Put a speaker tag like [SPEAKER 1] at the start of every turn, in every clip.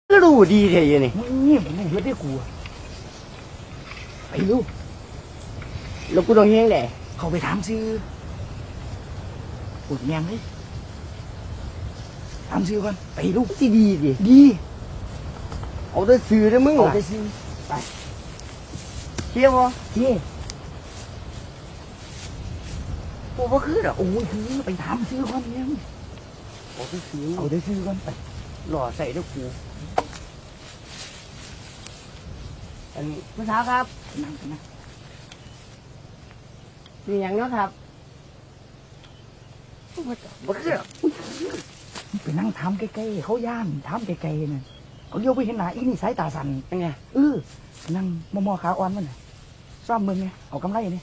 [SPEAKER 1] แล้วรู้ดีเท่ยังนี่
[SPEAKER 2] นี่ผมไม่เห็นได้กูไปลูก
[SPEAKER 1] แล้วกูต้องเฮงแหละ
[SPEAKER 2] เขาไปถามซื้อปวดแมงเลยถามซื้อก่อนไปลูก
[SPEAKER 1] ที่ดีดิ
[SPEAKER 2] ดี
[SPEAKER 1] เอาได้ซื้อได้มึง
[SPEAKER 2] เอาไปซื้อไป
[SPEAKER 1] เชี่ยวบ่
[SPEAKER 2] เชี่ย
[SPEAKER 1] กูบ่คือดอก
[SPEAKER 2] โอ้ยคือไปถามซื้อก่อนเนี่ย
[SPEAKER 1] เอาได้ซื้อ
[SPEAKER 2] เอาได้ซื้อก่อนไป
[SPEAKER 1] หล่อใส่ด้วยกูอันผู้สาวครับ
[SPEAKER 2] นั่งไปนะ
[SPEAKER 1] มีอย่างเนาะครับบ่คือดอก
[SPEAKER 2] ไปนั่งทำใกล้ๆเขาย่านทำใกล้ๆน่ะเขาเลี้ยวไปเห็นหน้าอีนี่สายตาสั่น
[SPEAKER 1] เป็นไง
[SPEAKER 2] นั่งมอขาอ่อนมันน่ะซ่อมมึงไงเอากำไรนี่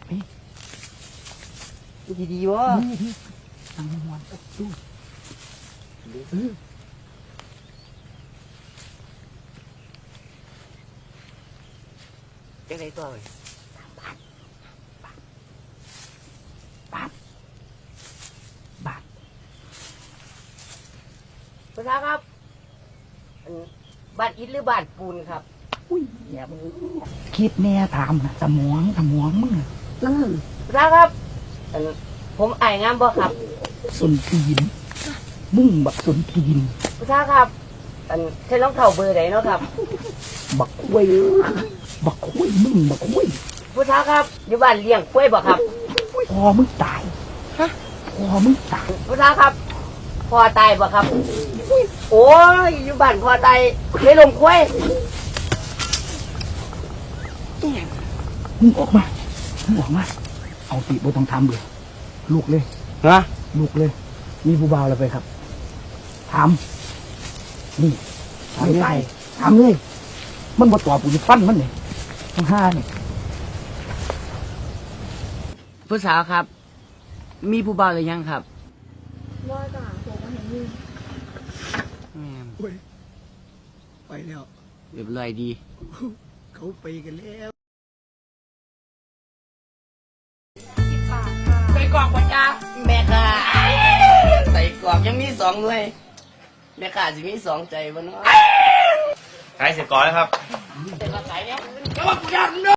[SPEAKER 1] ดีวะ
[SPEAKER 2] ดีนั่งมวนดู
[SPEAKER 1] จังไดตัวเว้ย
[SPEAKER 2] บาท
[SPEAKER 1] ผู้สาวครับบ้านอิฐหรือบ้านปูนครับ
[SPEAKER 2] อุ้ยอย่ามึงคิดแน่ถามนะสมองมึง
[SPEAKER 1] นั่นผู้สาวครับผมอายงามบ่ครับ
[SPEAKER 2] สนทีนมึงบักสนทีน
[SPEAKER 1] ผู้สาวครับใช้รองเท้าเบอร์ไหนเนาะครับ
[SPEAKER 2] บักคุ้ยมึงบักคุ้ย
[SPEAKER 1] ผู้สาวครับอยู่บ้านเลี้ยงกล้วยบ่ครับ
[SPEAKER 2] พอมึงตายพอมึงตาย
[SPEAKER 1] ผู้สาวครับพ่อตายบ่ครับโอ้ยอยู่บ้านพ่อตายในลมกล้วย
[SPEAKER 2] มึงออกมาเอาติบ่ต้องทำเลยลูกเลยลูกเลยมีผู้บ่าวแล้วไปครับถามนี่ถามเลยมันบ่ตอบกูจะฟันมันเนี่ยทั้งห้าเนี่ย
[SPEAKER 1] ผู้สาวครับมีผู้บ่าวหรือยังครับ
[SPEAKER 3] ว่าจ้ะผมมาเห็นมี
[SPEAKER 2] ไปแล้ว
[SPEAKER 1] เรียบร้อยดี
[SPEAKER 2] เขาไปกันแล้ว
[SPEAKER 1] ใส่กรอกปัญญาแม่ค่ะใส่กรอกยังมี2ด้วยแม่ค่ะจะมี2ใจบ่เนาะ
[SPEAKER 4] ขายเสร็จก่อนแล้วครับ
[SPEAKER 1] แต่มาขายเนี่ยก็ว่ากูอยาก